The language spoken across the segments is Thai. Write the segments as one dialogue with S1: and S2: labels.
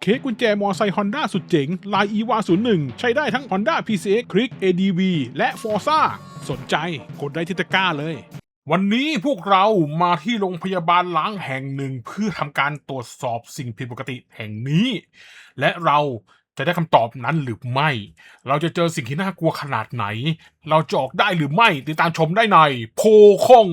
S1: ค้กกุญแจมอไซค์ Honda สุดเจ๋งลาย EVA 01 ใช้ได้ทั้ง Honda PCX Click ADV และ Forza สนใจกดได้ที่ตะกร้าเลย วันนี้พวกเรามาที่โรงพยาบาลล้างแห่งหนึ่งเพื่อทำการตรวจสอบสิ่งผิดปกติแห่งนี้ และเราจะได้คำตอบนั้นหรือไม่ เราจะเจอสิ่งที่น่ากลัวขนาดไหน เราจะออกได้หรือไม่ติดตามชมได้ในโพคง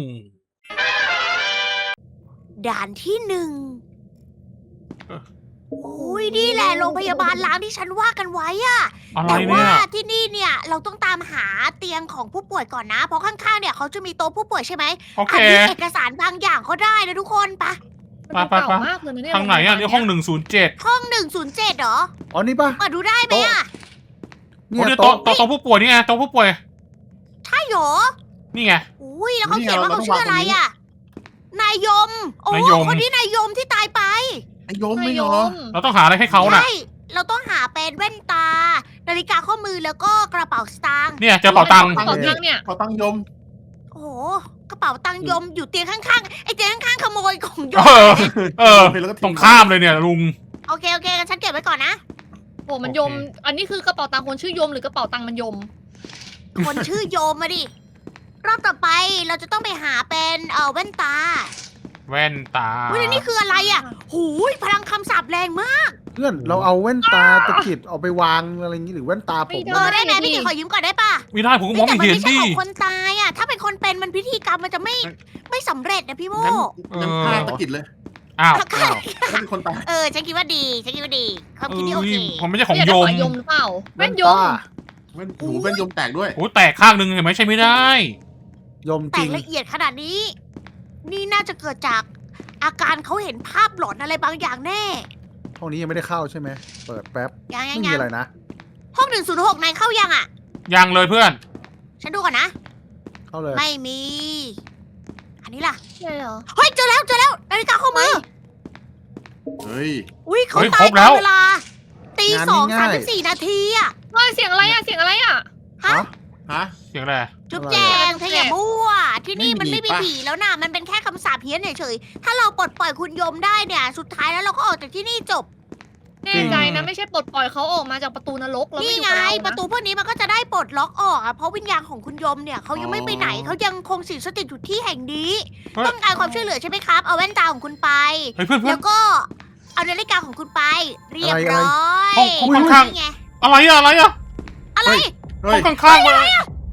S2: ด่านที่หนึ่ง
S1: เออ
S2: โอ้ยนี่แหละโรงพยาบาลล้างที่ฉันว่ากันไว้อะ
S1: อะไร
S2: แต่ว่า
S1: เนี่ย
S2: ที่นี่เนี่ยเราต้องตามหาเตียงของผู้ป่วยก่อนนะ เพราะข้างๆเนี่ยเขาจะมีโต๊ะผู้ป่วยใช่ไหม
S1: โอเค
S2: อาจจะเอกสารบางอย่างเขาได้นะทุกคนปะ
S3: มันดูเก่ามากเลยนะเนี่ย
S1: ทางไหนอ่ะนี่ห้อง107
S2: ห้อง107เหรอ
S4: อ๋อนี่ปะ
S2: เปิดดูได้ไหมอะ
S1: โอ้เนี่ยโต๊ะผู้ป่วยนี่ไงโต๊ะผู้ป่วย
S2: ใช่เหรอ
S1: นี่ไง
S2: อุ้ยแล้วเขาเขียนว่าเขาชื่ออะไรอะนายยมโอ้
S1: นายยม
S2: คนนี้นายยมที่ตายไป
S4: ไอ้โยม
S3: ไม่
S4: ไม่
S3: ย
S4: ย
S3: อ
S4: อ
S3: ม
S1: เราต้องหาอะไรให้เขาน่ะ
S2: ใช่เราต้องหาเป็นแว่นตา นาฬิกาข้อมือแล้วก็กระเป๋าสตางค์
S1: เนี่ยเจอเป๋าตังค์
S3: กระเป๋าตังค์เนี่ย
S4: ขอตั้งยม
S2: โอ้โหกระเป๋าตังค์ยมอยู่เตียงข้างๆไอ้เตียงข้างๆขโมยของย
S1: เอ
S2: ม
S1: อตรงข้ามเลยเนี่ยลุง
S2: โอเคงั้นฉันเก็บไว้ก่อนนะ
S3: โอ้มันยม อันนี้คือกระเป๋าตังค์คนชื่อยมหรือกระเป๋าตังค์มันยม
S2: คนชื่อโยมมาดิ รอบต่อไปเราจะต้องไปหาเป็นแว่นตา
S1: แว่นตา
S2: เฮ้ยแล้วนี่คืออะไรอ่ะหูยพลังคำสาปแรงมาก
S4: เพื่อนเราเอาแว่นตาตะกิดเอาไปวางอะไรอย่างงี้หรือแว่นตาผม
S2: ได้ไหมพี่กิจขอยืมก่อนได้ปะ
S1: ไม่ได้ผมก็มอง
S2: แต่
S1: ไม่
S2: มัน
S1: เห็น
S2: ไม่ใช่
S1: ดิ
S2: ของคนตายอ่ะ ถ้าเป็นคนเป็นมันพิธีกรรมมันจะไม่สำเร็จนะพี่โม
S4: งั้นผ้าตะกิดเลย
S1: อ้าว
S4: อ้าวก็เป็นคนตาย
S2: ฉันคิดว่าดีความคิดนี้โอเค
S1: ผมไม่ใช่ของ
S3: เนี่ย
S1: โย
S3: กระ
S1: ม
S3: เป๋ายมหรือเปล่าแว่นยม
S4: แว่นหูแว่นยมแตกด้วย
S1: โอ้แตกข้างหนึ่งเห็นไหมใช่ไม่ได้
S4: ยมจ
S2: แต่
S4: ริง
S2: ละเอียดขนาดนี้ นี่น่าจะเกิดจากอาการเขาเห็นภาพหลอนอะไรบางอย่างแน่
S4: ห้องนี้ยังไม่ได้เข้าใช่ไหมเปิดแป๊บ
S2: ยัง
S4: ไม่มีอะไรนะ
S2: ห้อง106นายเข้ายังอ่ะ
S1: ยังเลยเพื่อน
S2: ฉันดูก่อนนะ
S4: เข้าเลย
S2: ไม่มี อันนี้ล่ะ
S3: ใช่เหรอ
S2: เฮ้ยเจอแล้วนาฬิกาข้อมือ
S4: เฮ้ย
S2: อุ้ยเขา
S1: เฮ้ย
S2: ตา
S1: คร
S2: ย
S1: บ
S2: ต
S1: แล้
S2: อน
S1: ว
S2: เวลาตี
S4: งาน
S2: สอง
S4: ง่ายๆ
S2: 34 นาทีอ่ะ
S3: เฮ้ยเสียงอะไรอ่ะเสียงอะไรอ่ะ
S2: ฮะ
S4: ฮะ
S1: เสียงอะไร
S2: จุ๊บ
S4: อะไร
S2: แจ
S4: อะ
S2: งเธออย่ามั่ว ที่นี่มันไม่มี
S4: ไม่มีปะ
S2: ผีแล้วนะมันเป็นแค่คำสาปเพี้ยนเฉยๆถ้าเราปลดปล่อยคุณโยมได้เนี่ย สุดท้ายแล้วเราก็ออกจากที่นี่จบ
S3: แน่ใจนะไม่ใช่ปลดปล่อยเขาออกมาจากประตูนรกแล้ว
S2: นี่
S3: ไม่อยู่
S2: ไง
S3: กับเรา
S2: ประ
S3: นะ
S2: ตูพวกนี้มันก็จะได้ปลดล็อกออกอะเพราะวิญญาณของคุณโยมเนี่ยเขายังไม่ไปไหนเขายังคงสิงสถิตอยู่ที่แห่งนี้
S1: เฮ้ย
S2: ต้องการความช่วยเหลือใช่ไหมครับ เอาแว่นตาของคุณไป
S1: เฮ้ยเพื่อน
S2: แล้วก็เอานาฬิกาของคุณไป เรียบร้อย
S1: ห้องข้างๆ
S2: นี่ไง
S1: อะไรอะ
S2: อะไร
S4: เฮ้
S1: ห้
S4: ย
S1: องข้างๆมา
S4: เฮ้ย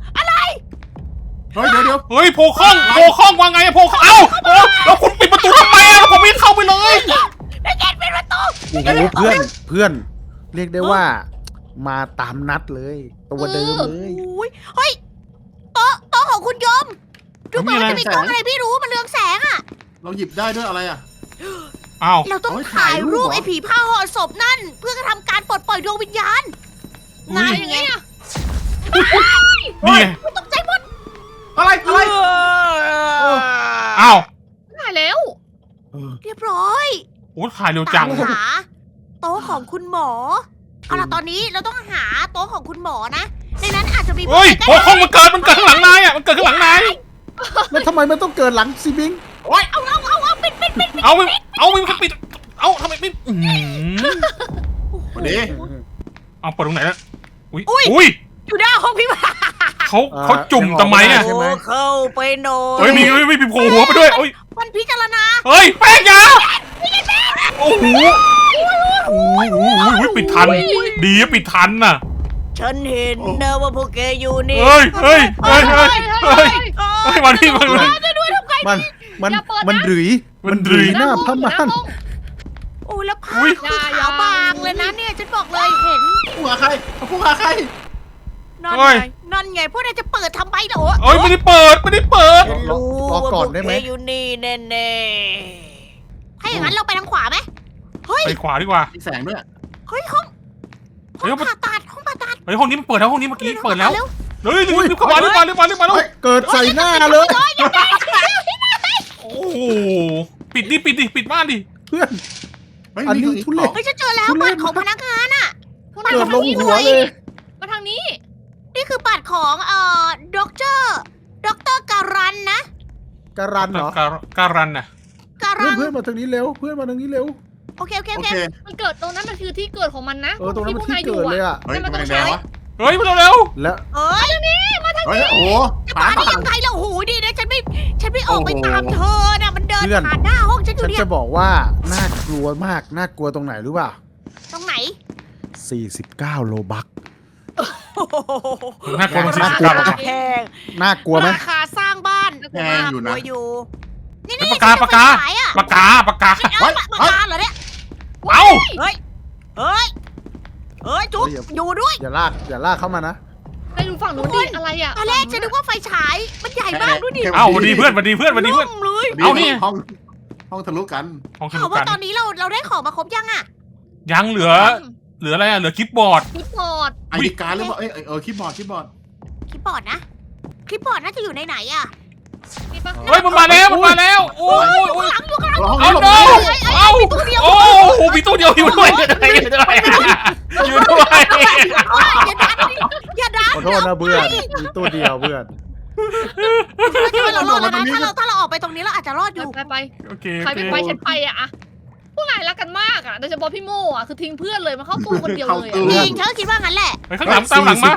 S4: เดี๋ยว
S1: เฮ้ยโพคองว่าไงอะโพคองเอ้าแล้วคุณปิดประตูทำไมอะผมไม่เข้าไปเลย
S2: ไม่เก็ตเป็นประตู
S4: โอ้โหเพื่อน เรียกได้ว่า มาตามนัดเลย ตัวเดิมเลย
S2: อุ้ยเฮ้ยโต๊ะของคุณโยมดูเหมือนว่าจะมีกล้องอะไรไม่รู้มันเรืองแสงอะ
S4: เราหยิบได้ด้วยอะไรอ่ะ
S1: อ้าว
S2: เราต้อง
S4: เอาไว้
S2: ถ่าย
S4: ถ่ายรู
S2: รู
S4: ป
S2: ป
S4: เหรอ
S2: ไอ้ผีผ้าห่อศพนั่น เพื่อทำการปลดปล่อยดวงวิญญาณ
S1: อุ๊ย
S2: นาย
S3: อย่าง
S2: ไง
S3: เงี้ย
S1: นี่ไง
S2: ตกใจหมด
S4: อะไร
S1: อ้าว
S3: ถ่ายแล้ว
S2: เรียบร้อย
S1: โอ้ถ่ายเร็วจัง
S2: ตามหาโต๊ะของคุณหมอเอาล่ะตอนนี้เราต้องหาโต๊ะของคุณหมอนะในนั้นอาจจะมี
S1: เฮ้ย
S2: ผู้
S1: โพ
S2: ใหญ่
S1: คองมันเกิดข้างหลังนายอะมันเกิดข้างหลังนาย
S4: แล้วทำไมมันต้องเกิดหลังซีบิง
S2: เอาปิด
S1: เอามันปิดเอาทำไมไม่อื้อหือ
S4: วันนี้
S1: เอาเปิดตรงไหนแล้วอุ้ย
S2: อยู่หน้าห้องพี่บ้า
S1: เขาจุ่มทำไมอะ
S4: ใช่ไหม
S2: เข้าไปหน่อย
S1: เฮ้ยมีโผล่หัวไปด้วยเฮ้ย
S2: มันพิจารณา
S1: เฮ้ยแป้งยาโอ้โหปิดทัน ดีอะปิดทันน่ะ
S2: ฉันเห็นนะว่าพวกแกอยู่นี่
S1: เฮ้ย
S3: เฮ้ย
S1: มาที่มัน
S4: มันหรือ
S1: มันหรือ
S4: หน้าพม่าน
S2: โอ้แล้วผ้า
S1: อุ๊ย
S2: คือขาวบางเลยนะเนี่ยฉันบอกเลยเห็น
S4: ผู้หาใครผู้หาใคร
S2: นั่นไงพวกนายจะเปิดทำไมเหรอ
S1: เอ้ยไม่ได้เปิด
S2: ฉันรู้
S4: รอ
S2: ว่า
S4: ก่
S2: พ
S4: อ
S2: วน ก
S4: ได้
S2: แก
S4: ไหม
S2: อยู่นี่แน่ๆถ้าอย่างนั้นเราไปทางขวาไหมเฮ้ย
S1: ไปขวาดีกว่า
S4: มีแสงด้วย
S2: เฮ้ยห้อง
S1: เฮ้ย
S2: ผ่าตัดห้องผ่าตัด
S1: เฮ้ยห้องนี้มันเปิดแล้วห้องนี้เมื่อกี้เปิดแล้ว
S2: เร็ว
S1: เฮ้ยรีบเข้ามารีบมาแล้ว
S4: เฮ้ยเกิดใส่หน้าเลย
S1: โอ้โหปิดม่านดิ
S4: เพื่อน อันนี้ทุเรศ
S2: เฮ้ยฉันเจอแล้ว
S4: ทุเรศ
S2: บัตรของพนักงาน
S4: เกิดลงหัวเลย
S3: มาทางนี้
S2: นี่คือบัตรของด็อกเตอร์การันนะ
S4: การันเหรอ
S1: การันน่ะ
S2: การัน
S4: เพื่อนมาทางนี้เร็ว เพื่อนมาทางนี้เร็ว
S2: โอเค
S3: มันเกิดตรงนั้นมันคือที่เกิดของมันนะ
S4: ตรงนั้นมันที่
S3: พว
S4: เกิดเลยอ่ะ
S5: เฮ้ย
S3: มัน
S5: ทำไม
S3: ต้อง
S5: แด
S3: ใช้
S5: งวะ
S1: เฮ้ยมาเร็ว
S4: แล้ว
S2: เอ้ย
S5: เฮ้ยโอ้โห
S2: จะมาได้ยังไงล่ะโอ้โหดีนะฉันไม่ออกไปตามเธอนะมันเดินผ่านหน้าห้องฉันอยู่
S4: ฉัน
S2: เนี่ย
S4: จะบอกว่าน่ากลัวมากน่ากลัวตรงไหนรู้ป่ะ
S2: ตรงไหน
S4: 49 โลบัก
S1: ๆน่ากลัวมันสิ
S4: น่ากลัว
S1: ปากกา
S2: แพง
S4: น่ากลัวไหม
S2: ราคาสร้างบ้าน
S5: แพงอยู่นะ
S2: อยู่นี่
S1: ปากกาปากกา
S2: ปาก
S1: ปากกา
S2: เอาปากกาเหรอเนี่ย
S1: เอ้า
S2: เฮ้ยจุ๊บอยู่ด้วย
S4: อย่าลากเข้ามานะ
S3: ไปดูฝั่งนู้นดิอะไรอ่ะ
S2: ตอนแรกฉันนึกว่าไฟฉายมันใหญ่มากดูดิ
S1: เอ้าวันดีเพื่อนวันดีเพื่อนวันดีเพื่อน
S2: ล่มเลย
S1: เอานี่
S5: ห้องทะลุกัน
S1: ของส
S2: ถา
S1: นุ
S2: ม
S1: ก
S2: ว่า
S1: กัน
S2: ตอนนี้เราได้ของมาครบยังอ่ะ
S1: ยังเหลืออะไรอ่ะเหลือคลิปบอร์ด
S3: คิดบอร์ด
S5: ไอดีการ์ดหรือเปล่าคีย์บอร์ด
S2: คลิปบอร์ดนะคลิปบอร์ดน่าจะอยู่ในไหนอ่ะ
S3: นี่ปะ
S1: เฮ้ยมันมาแล้วโอ้ย
S2: ข้างหลังอยู่ข้างหลัง
S5: ห้อง
S1: เอา
S5: นี้หลบ
S1: เนาเอา
S2: มีตัวเดียว
S1: โอ้โหมีตู้เดียวอยู่ด้วยอยู่ด้วย
S2: อย่าดัน
S4: ขอโทษนะเพื่อนมีตัวเดียวเพื่อน
S2: เรารอดแล้วนะถ้าเราออกไปตรงนี้เราอาจจะรอดอยู่
S3: ไป
S1: โอเค
S3: ใครไม่ไปฉันไปอะพวกนายรักกันมากอะโดยเฉพาะพี่โม่อะคือทิ้งเพื่อนเลยมาเข้าตู้คนเดียวเลย
S2: จริงฉันก็คิดว่างั้นแหละ
S1: ไปข้างหลังตามหลังมา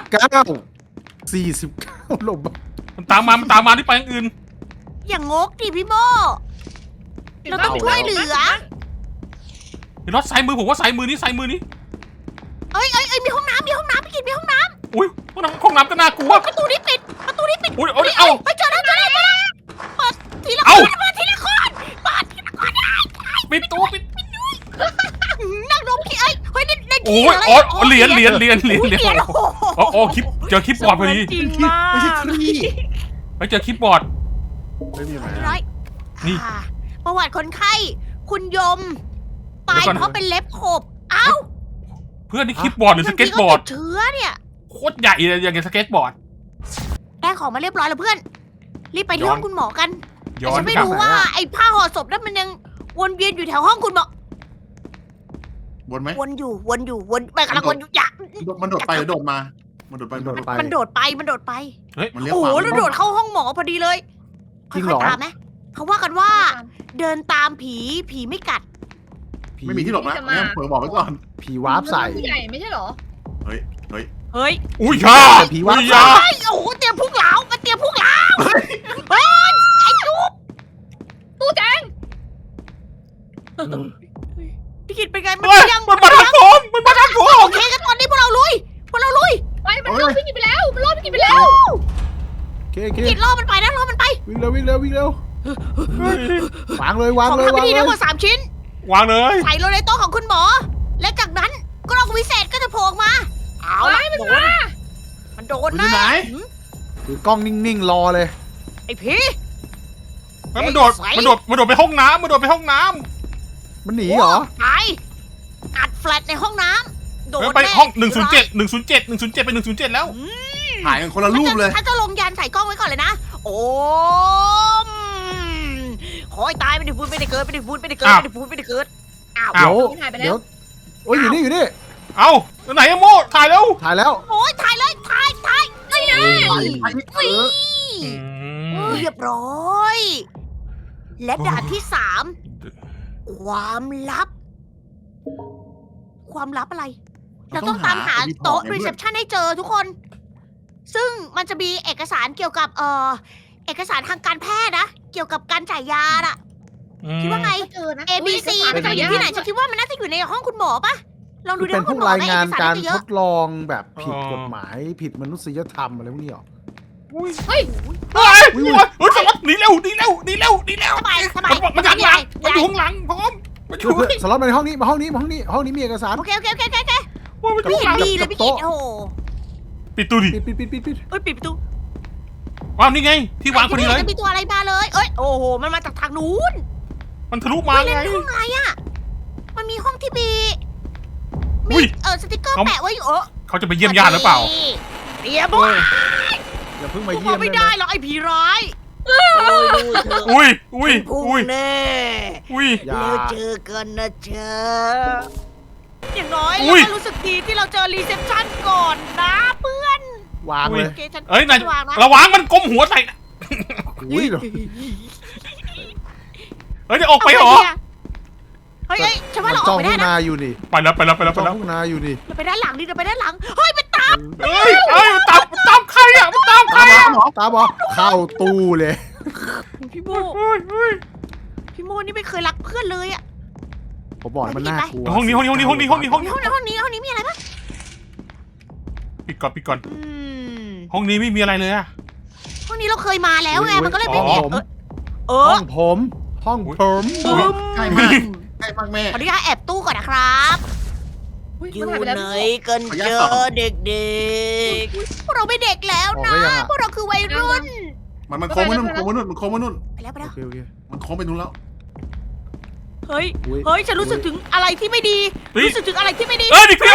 S4: 49 โลบัก
S1: มันตามมาที่ไปอย่างอื่น
S2: อย่างงกดิพี่โมเราต้องช่วยเหลือ
S1: เดี๋ยวรถซ้ายมือผมว่าซ้ายมือนี้ซ้ายมือนี้
S2: เอ้ยมีห้องน้ำพี่กินมีห้องน้
S1: อุ้ยห้องน้ำก็น่ากลัว
S2: ำประตูนี้ปิด
S1: อุ้ยเอ้า
S2: ไปเจอแล้วเปิดทีละค
S1: เอ้า
S2: นเปิดทีละคนเปิดทีละคนได้
S1: ปิดตู้ปิด
S2: นั่งดมขี้เอ้ยเฮ้ยใน
S1: โอ้
S2: ขี้
S1: ย
S2: อะไร
S1: อ๋อเหรียญ
S2: เหรียญโอ้โห
S1: โอ้คลิปเจอคลิปบอร์ดพอดี
S2: จริงมาก
S5: ไม่ใช่ขี้
S1: ไปเจอคลิปบอร์ด
S4: ไม่มีไหน
S2: ร้อย
S1: นี่
S2: ประวัติคนไข้ คุณยมตายเพราะเป็นเล็บขบเอ้า
S1: เพื่อนนี่คลิปบอร์ดหรือสเก็ตบอร์ด
S2: เชื้อเนี่ย
S1: โคตรใหญ่เลยอย่างสเก็ตบอร์ด
S2: ได้ของมาเรียบร้อยแล้วเพื่อน รีบไปที่ห้องคุณหมอกัน
S1: ย้
S2: แต่
S1: อน
S2: ฉันไม่
S1: กลับ
S2: รู้ว่าไอ้ผ้าห่อศพนั้นมันยังวนเวียนอยู่แถวห้องคุณหมอ
S5: บนไหม
S2: วนอยู่ไปกำลังวนอยู่อย่า
S5: มันโดดไปหรือโดดมา มันโดดไป
S2: มันโดดไป
S5: มันเลี้ยว
S2: โอ้
S5: ข
S2: โห
S5: วา
S2: แล้วโดดเข้าห้องหมอพอดีเลย
S4: จริง
S2: ค่
S4: เหร
S2: อย
S4: อ
S2: ๆตามไหมเขาว่ากันว่า เดินตามผีไม่กัด
S5: ไม่มีที่หลบนะเนี่ยเผลอบอกไว้ก่อน
S4: ผีวาร์ปใส่
S3: ผู้ใหญ่ไม่ใช่เหรอ
S5: เฮ้ย
S2: เฮ้ย
S1: อุ้ยยา
S4: ผีวาร์ป
S1: ยา
S2: เฮ้ยโอ้โหเตรียมพุ่งเหลามาเตรียมพุ่งเหลา
S3: ตู้แจง
S2: พี่กิตเป็นไงมัน
S1: เฮ้ย
S2: ยัง
S1: มันมาทางผมมันมาทางผม
S2: โอเคกันตอนนี้พวกเราลุย
S3: ไปมันรอดพี่กินไปแล้วมันรอดพี่กินไปแล้ว
S4: โอเค
S2: พี่กิตล่อมันไปนะล่อมันไป
S4: วิ่งเร็ววางเลย
S2: ของทำพิธีทั้งหมด3 ชิ้น
S1: วางเลย
S2: ใส่ลงในโต๊ะของคุณหมอ และจากนั้นกล้องวิเศษก็จะโผล่ออกมา เอาละโดนมันโดน
S5: อยู่
S2: นะ
S5: ไหน
S4: ถือกล้องนิ่งๆรอเลย
S2: ไอ้ผี
S1: มันโดดไปห้องน้ำมันโดดไปห้องน้
S4: มันหนีเหรอ
S2: ไปอัดแฟลชในห้องน้ำโด
S1: ำ
S2: น
S1: ไป
S2: แน่
S1: ห้อง107ไป107แล้ว
S5: ถ่ายกันคนละรูปเลย
S2: ถ้าจะลงยันใส่กล้องไว้ก่อนเลยนะ โอ้มขอให้ตายไม่ได้พูดไม่ได้เกิดไม่ได้พูดไม่ได้เกิด
S1: อ้าว
S2: ไม่ได้พูดไม่ได้เกิดอ้าว
S1: อ้าว
S3: หายไปแล้
S4: เดี๋
S3: ว
S4: ยวโอ้ยอยู่นี่
S1: เอ้าไหนอะโมถ่ายแล้ว
S4: ถ่ายแล้ว
S2: โอ้ยถ่ายเลยถ่ายนี่ไง เรียบร้อย และด่านที่ 3 ความลับ ความลับอะไร เราต้องตามหาโต๊ะรีเซพชันให้เจอทุกคน ซึ่งมันจะมีเอกสารเกี่ยวกับเอกสารทางการแพทย์นะ เกี่ยวกับการจ่ายยาอะคิดว่าไง
S3: เจอนะ
S2: A B C มันจะอยู่ที่ไหนฉันคิดว่ามันน่าจะอยู่ในห้องคุณหมอปะลองดู
S4: คือ
S2: ใน
S4: เป็น
S2: ห้อง
S4: พ
S2: คุ
S4: ว
S2: ณ
S4: ก
S2: หมอ
S4: ราย
S2: ใน
S4: งาน
S2: เอกสาร
S4: การ
S2: น่าจะเย
S4: ท
S2: อะ
S4: ดลองแบบผิดกฎหมายผิดมนุษยธรรมอะไรพวกนี้หรอ
S3: เฮ้ย
S1: เฮ้ยสล็อตหนีเร็ว
S2: สบาย
S1: มันจากหลังมันอยู่ข้างหลังพร้อมมันอยู่
S4: เพื่อนสล็อตมาในห้องนี้ห้องนี้มีเอกสาร
S2: โอเค
S1: มันอ
S2: ไม่
S1: ยู่
S2: เห็
S1: ข้าน งหลัง
S2: ดีเลยพี่กิตโอ้โห
S1: ปิดตู้ดิ
S4: ปิด
S2: เอ้ยปิดประตู
S1: ว้าวนี่ไงที่วางพอดีเลย
S2: จะมีตัวอะไรมาเลยเอ้ยโอ้โหมันมาจากทางนู้น
S1: มันทะลุมาไง
S2: ห้องอะไรอ่ะมันมีห้องที่มี
S1: อุ้ย
S2: สติ๊กเกอร์แปะไว้อยู่
S1: เขาจะไปเยี่ยมญาติหรือเปล่า
S2: เรียบร้อย
S4: อย่าเพิ่ง
S2: พ
S4: มาว
S2: ก
S4: เยี่ย
S2: เรา
S4: ม
S2: ไม่ได้หรอกไอ้ผีร้าย
S1: อุ้ย
S2: พุ่งแน่
S4: อย่า
S2: แล้วเจอกันนะเจออย่างน้อย
S1: อุ้
S2: เรา
S1: ย
S2: ก็รู้สึกดีที่เราเจอรีเซพชันก่อนนะเพื่อน
S4: วางเลย
S2: โอเคฉัน
S1: เอ้ยนาย
S2: วางนะ
S1: ระวังมันก้มหัวใส่นะ
S4: อุ้ย
S1: เฮ้ยจะออกไปเหรอ
S2: เฮ้ยฉันว่า
S4: มัน
S2: เราอ
S4: จ้
S2: อ
S4: อง
S2: กไป
S4: ทุ่
S2: ได้
S4: ง
S2: นะ
S4: นาอยู่นี่
S1: ไปแล้ว
S4: จ้องทุ่งนาอยู่นี่
S2: เราไปด้านหลังดิเราไปด้านหลังเฮ้ยมันตาม
S1: เฮ้ยมันตามใครอ่ะมันตามใคร
S4: ตาบอเข้าตู้เลย
S2: พี่โม
S1: เฮ้ย
S2: พี่โมนี่ไม่เคยรักเพื่อนเลยอะ
S4: ผมบอกมันน่ากลัว
S1: ห้องนี้
S2: ห้องนี้มีอะไรปะ
S1: ปิดก่อน
S2: อืม
S1: ห้องนี้ไม่มีอะไรเลยอะ
S2: ห้องนี้เราเคยมาแล้วไงมันก็เลยไม่มี
S4: ห้องผมห้องผม
S5: ใกล้มากใกล้มากแม่
S2: ขออนุญาตแอบตู้ก่อนนะครับ
S3: อุ๊ย
S2: อยู่
S3: มันหายไปแล้ว
S2: ไหน
S3: พี่โม
S2: กันเจอเด็กๆพวกเราไม่เด็กแล้วนะพวกเราคือวัยรุ่น
S5: มันโค้งมานู่นมันโค้งมานู่นมันโค้งมานู่น
S2: ไปแล้ว
S4: โอเค
S5: มันโค้งไปนู่นแล้ว
S2: เฮ้ยฉันรู้สึกถึงอะไรที่ไม่ดีรู้สึกถึงอะไรที่ไม่ดี
S1: เอ้ยดิพี่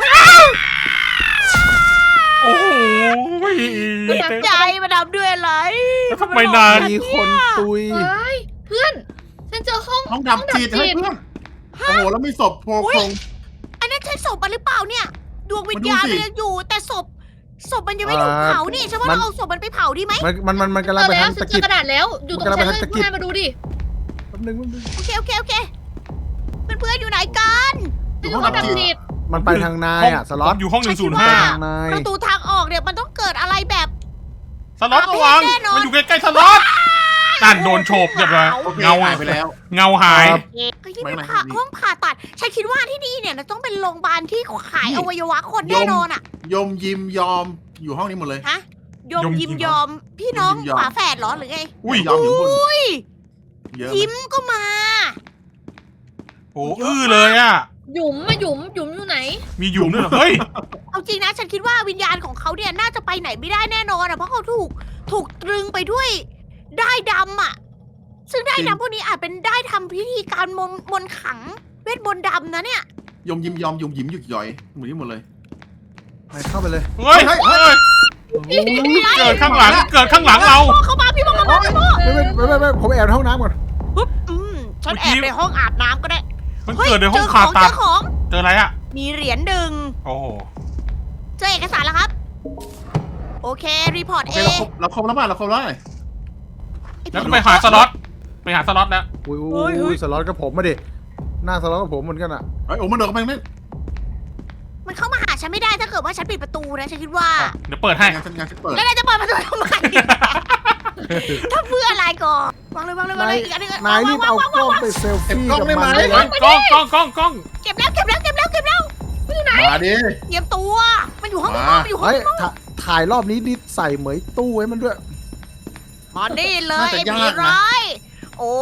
S1: โอ้โห
S2: ใจมาดำด้วยอะไร
S1: แล้วทำไมนาน
S4: มีคนตุย
S3: เฮ้ยเพื่อนฉันเจอห้อง
S5: ห้องดำจีดให้เพื่อนโอ้โหแล้วไม่ศพโผล่โครง
S2: อันนั้นใช่ศพมันหรือเปล่าเนี่ย ดวงวิญญาณ
S5: มาดูสิ
S2: มันยังอยู่ แต่ศพมันยังไม่ถูกเผานี่ฉันว่าเราเอาศพมันไปเผาดีไหม
S4: มันกำลัง
S3: เจอ
S4: ไป
S3: แล้
S4: ทาว ง
S3: ฉั
S4: ตะ
S3: นเจ
S4: กิ
S3: อ
S4: ด
S3: กระดาษแล้วอยู่ตรงฉันเลย
S4: มันกำลังไปทางตะ
S3: พ
S4: กิ
S3: ว
S4: ด
S3: กนายมาดูดิ
S4: แป๊บนึง
S2: โอเคเพื่อนๆอยู่ไหนกัน
S3: ฉันอยู่ห้องดับจิต
S4: มันไปทางนายอ่ะสล็อต
S1: อยู่ห้อง
S4: ไป
S1: 105
S4: ทางนาย
S2: ประตูทางออกเนี่ยมันต้องเกิดอะไรแบบ
S1: สล็อตระวังมันอยู่ใกล้ๆสล็อตนั่นโดนโฉบเรียบร้อย
S5: โอเค
S1: เงา
S5: หายไปแล้ว
S1: เงาหาย
S2: เฮ้ยนี่
S5: ไม่
S2: เป็น
S5: ไม่
S2: ห้องผ่าตัด ฉันคิดว่าที่นี่เนี่ยต้องเป็นโรงพยาบาลที่ขายอวัยวะคน
S5: ยม
S2: แน่นอนอ่ะ
S5: ยมยิมยอมอยู่ห้องนี้หมดเลย
S2: ฮะยมยิมยอมพี่น้อง
S5: ยมยิมยอม
S2: ฝาแฝดเหรอหรือไง
S1: อุ้ย
S5: ยอมอยู่บน
S2: อุ้ย
S5: เยอะ
S2: ยิ้มก็มา
S1: โอ้อื้อเลยอ่ะ
S3: หยุมอยู่ไหน
S1: มีหยุมด้วยเหรอเฮ้ย
S2: เอาจริงนะฉันคิดว่าวิญญาณของเขาเนี่ยน่าจะไปไหนไม่ได้แน่นอนอ่ะเพราะเขาถูกตรึงไปด้วยด้ายดำอ่ะ ซึ่งด้ายดำพวกนี้อาจเป็นด้ายทำพิธีการมนต์ขังเวทมนต์ดำนะเนี่ย
S5: ยมยิมยอมยมยิ้มหยุดย่อยหมดนี้หมดเลย
S4: ไปเข้าไปเลย
S1: เฮ้ยเกิดข้างหลังเรา
S2: พ่อเขามาพี่พ่อเขามาพี่พ่อ
S4: ไม่ผมแอบในห้องน้ำก่อน
S2: ปุ๊บฉันแอบในห้องอาบน้ำก็ได้
S1: มันเกิดในห้องผ่าตัด
S2: เจอของ
S1: เจออะไรอ่ะ
S2: มีเหรียญหนึ่ง
S1: โอ้โห
S2: เจอเอกสารแล้วครับ โอเครีพอร์ต
S5: โอ
S2: เอ
S5: เคเราครบแล้วป่ะเราครบแล้ว
S1: แล้วก็ไปหาสล็อตแล้ว
S4: อุ้ยสล็อตกับผมมาดิหน้าสล็อตกับผมเหมือนกันอ่ะ
S5: เฮ้ยโอ้มันเดินเข้าไปนั่น
S2: มันเข้ามาหาฉันไม่ได้ถ้าเกิดว่าฉันปิดประตูนะฉันคิดว่า
S1: เดี๋ยวเปิดให้
S5: งานฉันเปิด
S2: แล้วนายจะเปิดประตูทำไม ถ้าเพื่ออะไรก่อนวางเลยอีกอันนึง
S4: นายรีบเอากล้องไปเซลฟี่กับมันเลย
S1: กล้อง
S2: เก็บแล้ว
S5: มาดิ
S2: เตรียมตัว มันอยู่ห้อง
S5: มา
S2: มันอยู่ห้อง
S4: เฮ้ยถ่ายรอบนี้ดิใส่เหมยตู้ไว้มันด้วย
S2: มานี่เลยไอ้ผีร้ายโอ้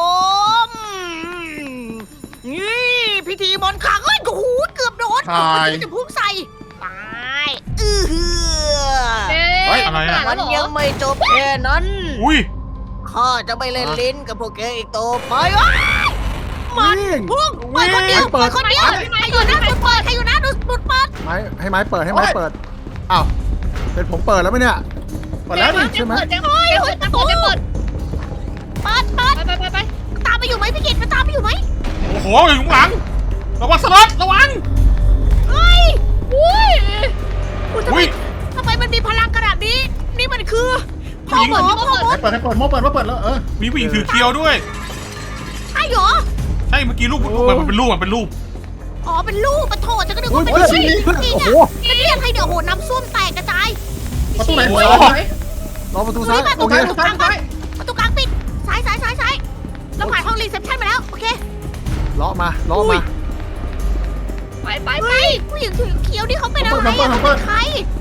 S2: นี่พิธีมนต์ขลังเอ้ยโอ้โหเกือบโดนจะพุ่งใส่ตายหือ
S1: อะไรอ่ะ
S2: มันยังไม่จบแค่นั้น
S1: อุ้ย
S2: ข้าจะไม่เล่นลิ้นกับพวกแกอีกต่อไปวะมัน
S4: วิ่ง
S2: พุ่งเปิดคนเดียวเปิดคนเดียวใครอยู่หน้าสุดเปิดใครอยู่หน้าสุดเปิด
S4: ไม้ให้ไม้เปิดให้ไม้เปิดอ้าวเป็นผมเปิดแล้วไหมเนี่ย
S5: เปิดแล้วนี่
S4: ใช่ไหม
S3: เปิดประตูจะเปิด
S2: ไป
S3: ไป
S2: ตามไปอยู่ไหมพี่กิตมันตามไปอยู่ไหม
S1: โอ้โหอยู่ข้างหลังระวังสล็อตระวัง
S2: เฮ้ย
S3: อุ้ย
S1: อุ้ย
S2: ทำไมมันมีพลังขนาดนี้นี่มันคือ
S1: ผู้หญิง
S2: พ่อหมอ
S5: ให้เปิดโม่เปิดแล้วเออ
S1: มีผู้หญิงถือเคียวด้วย
S2: ใช่เหรอ
S1: ใช่เมื่อกี้รูปมันเป็นรูปมันเป็นรูป
S2: อ๋อเป็นลูกปะโถจะก็นึก
S4: โอ้
S2: ว่าเป็น
S4: ย
S2: ผู้หญิง
S4: โอ้โห
S2: มันเรียกใครเดี๋ยวโหน้ำส้วมแตกกระจาย
S5: ประตูไหน
S1: โอ้
S5: เปิด
S1: โห
S5: ไหน
S4: รอประตูซ้าย
S2: ประ
S4: โอ
S2: ตู
S4: เค
S2: กลางประตูกลางปิดซ้ายเราผ่านห้องรีเซพชันมาแล้วโอเค
S4: เลาะมา
S3: ไป
S2: เฮ้ยผู้หญิงถือเขียวนี่เขาเป็นอะไรอะเขาเป็นใคร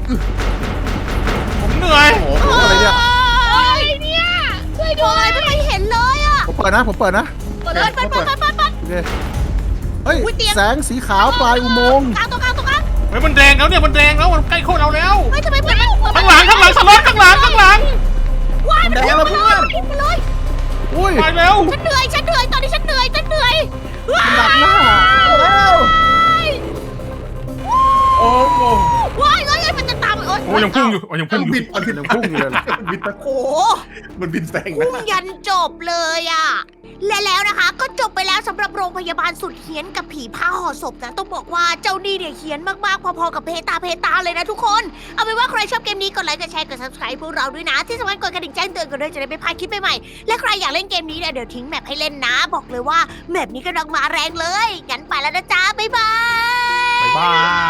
S1: ผมเหนื่อย
S5: โอ้โห
S4: อะไรเนี่ย
S2: เฮ้ยเนี่ยช่วยด้วยไม่เคยเห็นเลยอะ
S4: ผมเปิดนะ
S2: เปิด
S4: โอเคเฮ้ย
S2: อุ๊ยเตียง
S4: แสงสีขาวปลายอุโมงค์
S2: ตรงกลาง
S1: เฮ้ยมันแดงแล้วเนี่ยมันแดงแล้วมันใกล้โคตรเราแล้ว
S2: เฮ้ยทำไมเปิด
S1: ข้างหลังสล็อตข้างหลัง
S2: ว้ายมัน
S5: แดงแล้วเพื่อน
S2: ไปเลย
S4: อุ้ย
S1: ไปเร็ว
S2: ฉันเหนื่อยตอนนี้ฉันเหนื่อยว้า
S4: ดักหน้า
S2: ย
S1: โอ้โห
S2: ว้ายมันจะตาม
S1: โอ้ยังพุ่งอยู่ยังพุ่งอยู่
S4: ยังพุ่งอยู่เลย
S5: บิน
S2: โอ้
S5: มันบินแซง
S2: พุ่ง
S5: นะ
S2: ยันจบเลยอะและแล้วนะคะ ก็จบไปแล้วสำหรับโรงพยาบาลสุดเฮี้ยนกับผีผ้าห่อศพนะต้องบอกว่าเจ้านี่เนี่ยเฮี้ยนมากๆพอๆกับเพตาเลยนะทุกคนเอาเป็นว่าใครชอบเกมนี้กดไลค์กดแชร์กด subscribe พวกเราด้วยนะที่สำคัญกดกระดิ่งแจ้งเตือนกันด้วยจะได้ไม่พลาดคลิปใหม่ๆและใครอยากเล่นเกมนี้เนี่ยเดี๋ยวทิ้งแมปให้เล่นนะ บอกเลยว่าแมปนี้กำลังมาแรงเลยงั้นไปแล้วนะจ๊ะบ๊ายบาย
S1: บ๊ายบาย